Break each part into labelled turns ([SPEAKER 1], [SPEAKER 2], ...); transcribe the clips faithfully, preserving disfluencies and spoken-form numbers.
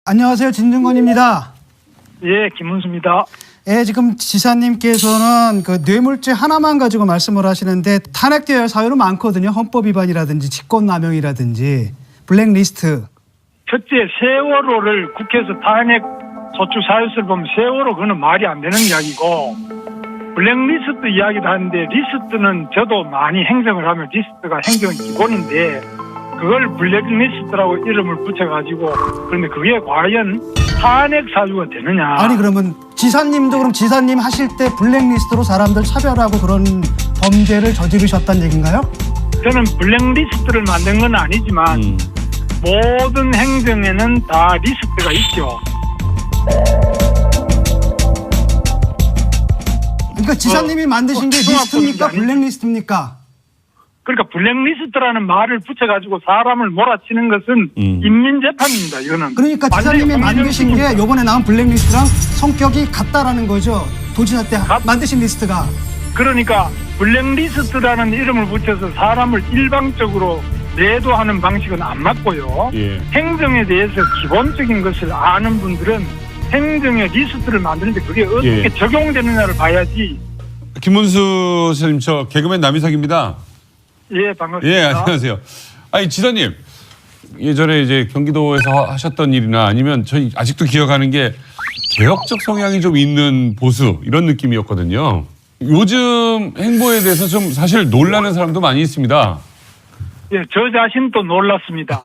[SPEAKER 1] 안녕하세요. 진중권입니다.
[SPEAKER 2] 예, 김문수입니다.
[SPEAKER 1] 예, 지금 지사님께서는 그 뇌물죄 하나만 가지고 말씀을 하시는데 탄핵되어야 할 사유는 많거든요. 헌법 위반이라든지 직권남용이라든지 블랙리스트.
[SPEAKER 2] 첫째, 세월호를 국회에서 탄핵 소추 사유서를 보면 세월호 그거는 말이 안 되는 이야기고, 블랙리스트 이야기도 하는데 리스트는 저도 많이 행정을 하면 리스트가 행정의 기본인데 그걸 블랙리스트라고 이름을 붙여가지고, 그런데 그게 과연 탄핵 사유가 되느냐.
[SPEAKER 1] 아니 그러면 지사님도 그럼 지사님 하실 때 블랙리스트로 사람들 차별하고 그런 범죄를 저지르셨다는 얘기인가요?
[SPEAKER 2] 저는 블랙리스트를 만든 건 아니지만 음. 모든 행정에는 다 리스트가 있죠.
[SPEAKER 1] 그러니까 지사님이
[SPEAKER 2] 어,
[SPEAKER 1] 만드신
[SPEAKER 2] 어,
[SPEAKER 1] 게 리스트입니까? 블랙리스트입니까?
[SPEAKER 2] 그러니까 블랙리스트라는 말을 붙여가지고 사람을 몰아치는 것은 음. 인민재판입니다. 이거는.
[SPEAKER 1] 그러니까 지사님이 만드신 게 이번에 나온 블랙리스트랑 성격이 같다라는 거죠. 도지사 때 가, 만드신 리스트가.
[SPEAKER 2] 그러니까 블랙리스트라는 이름을 붙여서 사람을 일방적으로 매도하는 방식은 안 맞고요. 예. 행정에 대해서 기본적인 것을 아는 분들은 행정의 리스트를 만드는데 그게 어떻게 예. 적용되느냐를 봐야지.
[SPEAKER 3] 김문수 선생님, 저 개그맨 남희석입니다.
[SPEAKER 2] 예, 반갑습니다.
[SPEAKER 3] 예, 안녕하세요. 아니, 지사님, 예전에 이제 경기도에서 하셨던 일이나 아니면 저희 아직도 기억하는 게 개혁적 성향이 좀 있는 보수 이런 느낌이었거든요. 요즘 행보에 대해서 좀 사실 놀라는 사람도 많이 있습니다.
[SPEAKER 2] 예, 저 자신도 놀랐습니다.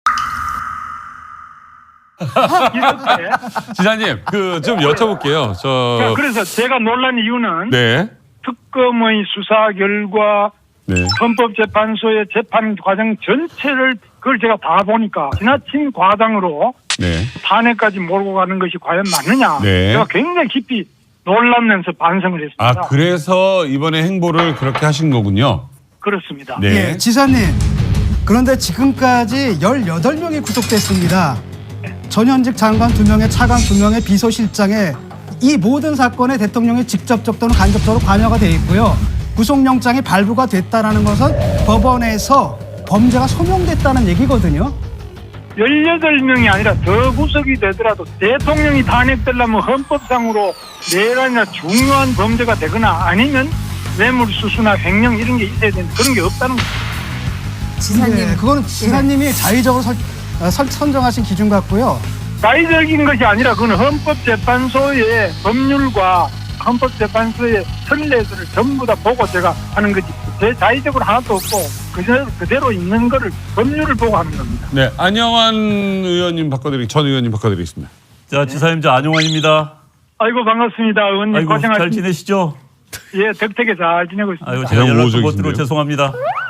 [SPEAKER 3] 지사님, 그 좀 여쭤볼게요. 저
[SPEAKER 2] 그래서 제가 놀란 이유는
[SPEAKER 3] 네.
[SPEAKER 2] 특검의 수사 결과, 네. 헌법재판소의 재판 과정 전체를 그걸 제가 다 보니까 지나친 과장으로 네. 탄핵까지 몰고 가는 것이 과연 맞느냐. 네. 제가 굉장히 깊이 놀라면서 반성을 했습니다.
[SPEAKER 3] 아, 그래서 이번에 행보를 그렇게 하신 거군요.
[SPEAKER 2] 그렇습니다.
[SPEAKER 1] 네. 예, 지사님. 그런데 지금까지 열여덟 명이 구속됐습니다. 전현직 장관 두 명에 차관 두 명의 비서실장에 이 모든 사건에 대통령이 직접적 또는 간접적으로 관여가 돼 있고요. 구속영장이 발부가 됐다는 것은 법원에서 범죄가 소명됐다는 얘기거든요.
[SPEAKER 2] 열여덟 명이 아니라 더 구속이 되더라도 대통령이 탄핵되려면 헌법상으로 내란이나 중요한 범죄가 되거나 아니면 뇌물수수나 횡령 이런 게 있어야 되는데 그런 게 없다는 거죠.
[SPEAKER 1] 지사님. 네, 그거는 지사님이 자의적으로 설, 설, 선정하신 기준 같고요.
[SPEAKER 2] 자의적인 것이 아니라 그건 헌법재판소의 법률과 헌법재판소의 선례들을 전부 다 보고 제가 하는 거지. 제 자의적으로 하나도 없고 그대로, 그대로 있는 거를 법률을 보고 하는 겁니다.
[SPEAKER 3] 네, 안영환 의원님 바꿔드리, 전 의원님 바꿔드리겠습니다.
[SPEAKER 4] 자, 지사님, 저 안영환입니다.
[SPEAKER 2] 아이고 반갑습니다. 의원님
[SPEAKER 4] 아이고,
[SPEAKER 2] 고생하십니다.
[SPEAKER 4] 잘 지내시죠?
[SPEAKER 2] 예, 덕택에 잘 지내고 있습니다.
[SPEAKER 4] 아이고, 제가 연락도 못 드려 죄송합니다.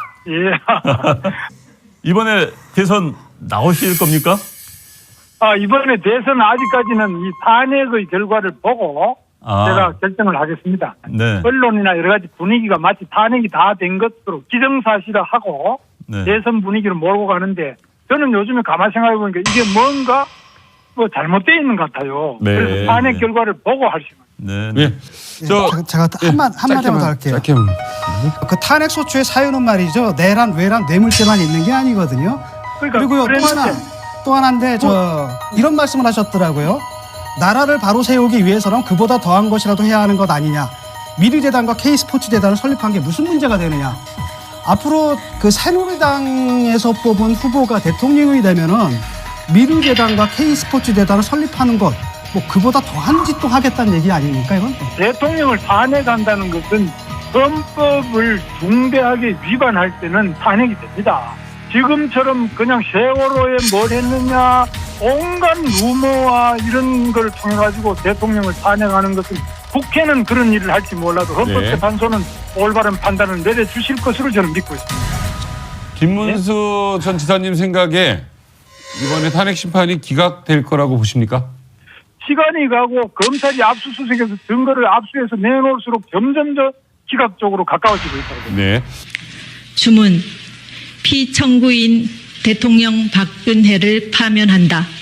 [SPEAKER 2] 예.
[SPEAKER 4] 이번에 대선 나오실 겁니까?
[SPEAKER 2] 아, 이번에 대선 아직까지는 이 탄핵의 결과를 보고 아. 제가 결정을 하겠습니다. 네. 언론이나 여러 가지 분위기가 마치 탄핵이 다 된 것으로 기정사실화하고 네. 대선 분위기를 몰고 가는데 저는 요즘에 가만히 생각해 보니까 이게 뭔가 뭐 잘못되어 있는 것 같아요. 네. 그래서 탄핵 결과를 보고 할 시간.
[SPEAKER 3] 네. 네.
[SPEAKER 1] 네. 저 제가 예. 한마 한마디만 더 할게요.
[SPEAKER 3] 짧게.
[SPEAKER 1] 그 탄핵 소추의 사유는 말이죠. 내란, 외란, 뇌물죄만 있는 게 아니거든요. 그러니까 그리고요 또 하나 또 하나인데 저 뭐. 이런 말씀을 하셨더라고요. 나라를 바로 세우기 위해서는 그보다 더한 것이라도 해야 하는 것 아니냐. 미르재단과 K스포츠재단을 설립한 게 무슨 문제가 되느냐. 앞으로 그 새누리당에서 뽑은 후보가 대통령이 되면은 미르재단과 K스포츠재단을 설립하는 것, 뭐 그보다 더한 짓도 하겠다는 얘기 아닙니까 이건?
[SPEAKER 2] 대통령을 탄핵한다는 것은 헌법을 중대하게 위반할 때는 탄핵이 됩니다. 지금처럼 그냥 세월호에 뭘 했느냐 온갖 루머와 이런 걸 통해 가지고 대통령을 탄핵하는 것은 국회는 그런 일을 할지 몰라도 헌법재판소는 네. 올바른 판단을 내려주실 것으로 저는 믿고 있습니다.
[SPEAKER 3] 김문수 네? 전 지사님 생각에 이번에 탄핵 심판이 기각될 거라고 보십니까?
[SPEAKER 2] 시간이 가고 검찰이 압수수색에서 증거를 압수해서 내놓을수록 점점 더 기각 쪽으로 가까워지고 있다고.
[SPEAKER 3] 네.
[SPEAKER 5] 주문. 피청구인 대통령 박근혜를 파면한다.